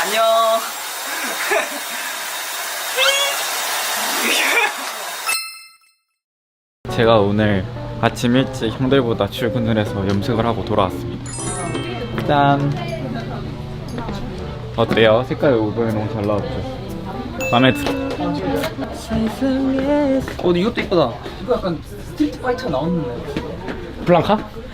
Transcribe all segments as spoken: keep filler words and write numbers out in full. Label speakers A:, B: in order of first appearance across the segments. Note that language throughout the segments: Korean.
A: 안녕.
B: 제가 오늘 아침 일찍 형들보다 출근을 해서 염색을 하고 돌아왔습니다. 짠! 어때요? 색깔 이번에 너무 잘 나왔죠? 마음에 들어.
A: 어, 근데 이것도 이쁘다. 이거 약간 스트리트 파이터 나오는데.
B: 블랑카?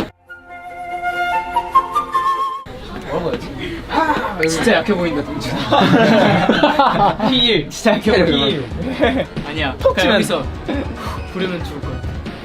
A: 뭐라고 해야지? 진짜 약해 보인다, 동준아. 힐. 진짜 약해 보인다. 힐. 아니야. 톡 치면 여기서 부르면 죽을 거야.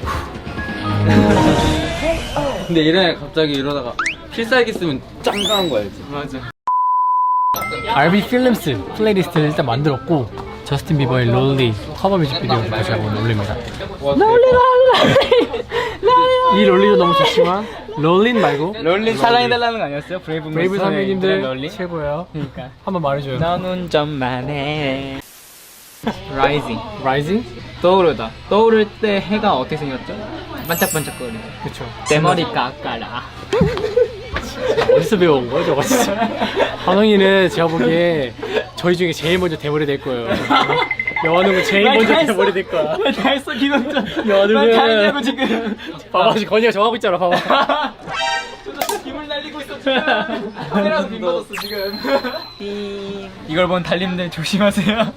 B: 근데 이래 갑자기 이러다가 필살기 쓰면 짱강한 거 알지?
A: 맞아.
C: 알비 필름스 플레이리스트를 일단 만들었고 저스틴 비버의 롤리 커버 뮤직비디오를 다시 한번 올립니다. 롤리 롤리 이 롤리도 너무 좋지만 롤린 말고
A: 롤린 사랑해달라는 거 아니었어요? 브레이브
C: 브레이브 선배님들
A: 롤린?
C: 최고예요.
A: 그러니까.
C: 한번 말해줘요.
A: 너는 좀만 해. 라이징.
C: 라이징?
A: 떠오르다. 떠오를 때 해가 어떻게 생겼죠? 반짝반짝거리죠.
C: 그쵸.
A: 내 머리 깎아라.
C: 어디서 배워온 거야 저거 진짜. 한웅이는 제가 보기에 저희 중에 제일 먼저 대머리 될 거예요. 여한웅은 제일 먼저 대머리 될 거야.
A: 다 했어 기동전.
C: 여한웅은
A: 다 했냐고 지금.
C: 봐봐 지금 건이가 정하고 있잖아 봐봐.
A: 김을 날리고 있어 지금. 카메라도 빔 맞았어 지금. 이걸 본 달님들 조심하세요.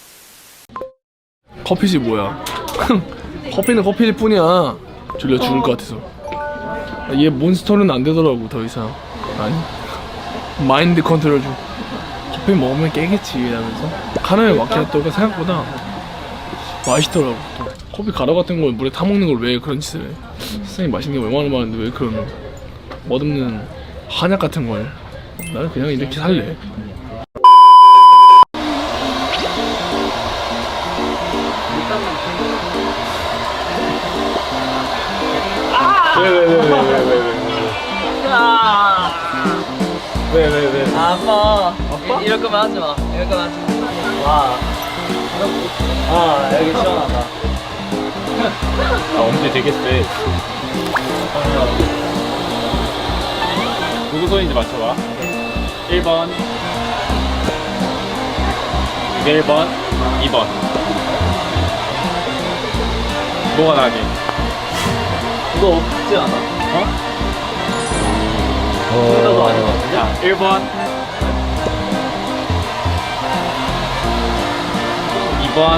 D: 커피지 뭐야. 커피는 커피일 뿐이야. 졸려 죽을 것 같아서. 얘 몬스터는 안 되더라고 더 이상. 아니 마인드 컨트롤 좀. 커피 먹으면 깨겠지 이러면서. 카라멜 마키아토가 생각보다 맛있더라고. 또 커피 가루 같은 걸 물에 타 먹는 걸 왜 그런 짓을 해. 세상에 맛있는 게 얼마나 많은데 왜 그런 멋없는 한약 같은 걸. 나는 그냥 이렇게 살래.
A: 왜왜왜왜왜왜왜 왜? 아파. 아파? 이럴 거면 하지 마. 이럴 거면 하지 마. 와. 아 여기 시원하다.
B: 아 엄지 되게 세. 누구 손인지 맞춰봐. 일 번 일 번 이 번 뭐가 나니?
A: 이거 없지 않아?
B: 어?
A: 나도 아닌 것 같은데?
B: 자, 일 번 이 번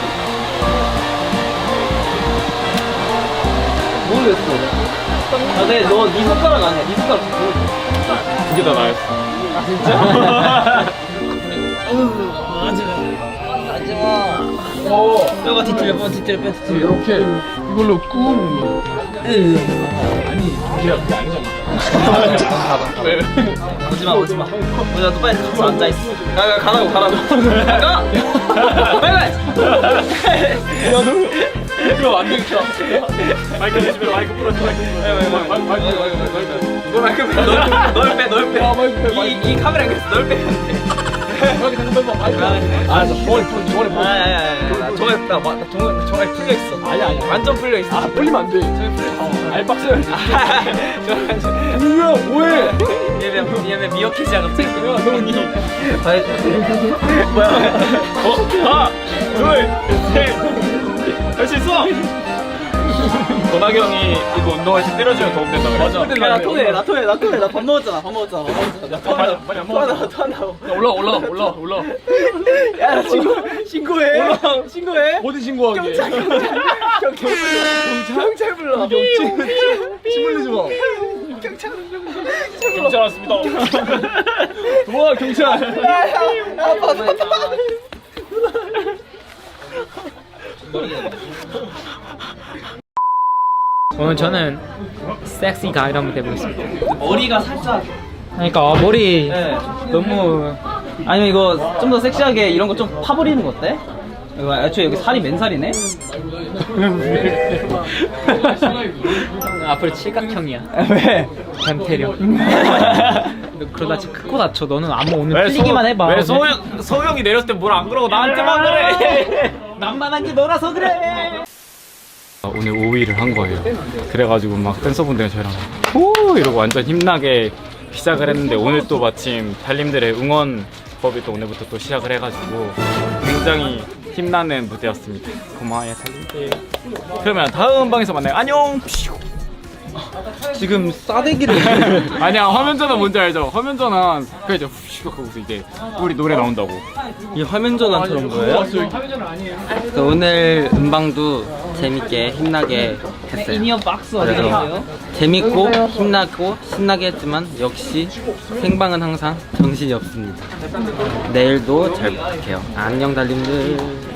A: 모르겠어. 아, 근데 너 네 손가락 아니야? 네 손가락 좀 보여줘.
B: 그게 더 나았어.
A: 아 진짜? 하지마. 오. 뼈가 뒤틀려, 뼈 뒤틀려, 뼈 뒤틀려.
D: 이렇게 이걸로 꾹.
A: 왜? 오지마, 오지마. 오지마, 너 빨리 가서 앉아있어. 가, 가, 가라고, 가라고. 가! 빨리! 야, 너. 이거 완전 켜.
B: 마이크 대주면 마이크 풀어줘. 마이크
A: 마이크, 마이크, 마이크, 마이크. 너 마이크 빼, 널 빼, 널 빼.
D: 아, 마이크 빼, 마이크
A: 이, 이 카메라 그래서 널 빼면 돼.
D: 이렇게 생각해봐. 마이크.
A: 알았어. 종아리 풀, 종아리 풀. 아니, 아니, 아니. 나 종아리, 나, 나 종아리, 종아리 풀려 있어.
D: 아니 아니.
A: 완전 풀려 있어.
D: 아 올리면 안 돼.
A: 종아리 풀려 있어.
D: 알박 써야지.
A: 종아리.
D: 뭐야 뭐해?
A: 얘네, 얘네 미역해지야 갑자기. 야, 너니. 뭐야?
B: 어? 하나, 둘, 셋. 할 수 있어. 권학이 형이 이거 운동할 때 때려주면 도움 된다 그래.
D: 맞아.
A: 야, 나 토해, 나 토해, 나 토해. 나 밥 먹었잖아, 밥 먹었잖아, 밥 먹었잖아. 나 토한다고,
D: 빨리 안
A: 토한다고, 토한다고.
D: 올라 올라 올라 올라.
A: 야, 나 신고, 신고해. 신고해.
D: 어디 신고하게?
A: 경찰, 경찰. 경찰, 경찰 불러.
D: 침 흘리지 마.
A: 경찰,
B: 경찰 왔습니다.
D: 도와 경찰.
A: 아파, 아파.
C: 오늘 저는 섹시 가이드 한번 해보겠습니다.
A: 머리가 살짝.
C: 그러니까 머리
A: 네, 너무. 아니면 이거 좀 더 섹시하게 이런 거 좀 파버리는 거 어때? 이거 애초에 여기 살이 맨살이네?
C: 앞으로 칠각형이야.
A: 왜?
C: 변태령. 너 그러다 진짜 크고 다쳐. 너는 안무 오늘 풀리기만 해봐.
B: 왜 소영 소영이 내렸을 때 뭘 안 그러고 나한테만 그래?
A: 남만한 게 너라서 그래.
B: 오늘 오 위를 한 거예요. 그래가지고 막 댄서분들 저랑 오 이러고 완전 힘나게 시작을 했는데 오늘 또 마침 달님들의 응원 법이 또 오늘부터 또 시작을 해가지고 굉장히 힘나는 무대였습니다. 고마워요 달님들. 그러면 다음 방에서 만나요. 안녕.
E: 지금 싸대기를
B: 아니야 화면 전환 뭔지 알죠? 화면 전환 그 이제 후 하고서 이제 우리 노래 나온다고.
E: 이 화면 전환처럼 거예요?
F: 그 오늘 음방도 재밌게 힘나게 했어요.
A: 인이어 박스
F: 그래서 재밌고 힘나고 신나게 했지만 역시 생방은 항상 정신이 없습니다. 내일도 잘 부탁해요. 안녕 달님들.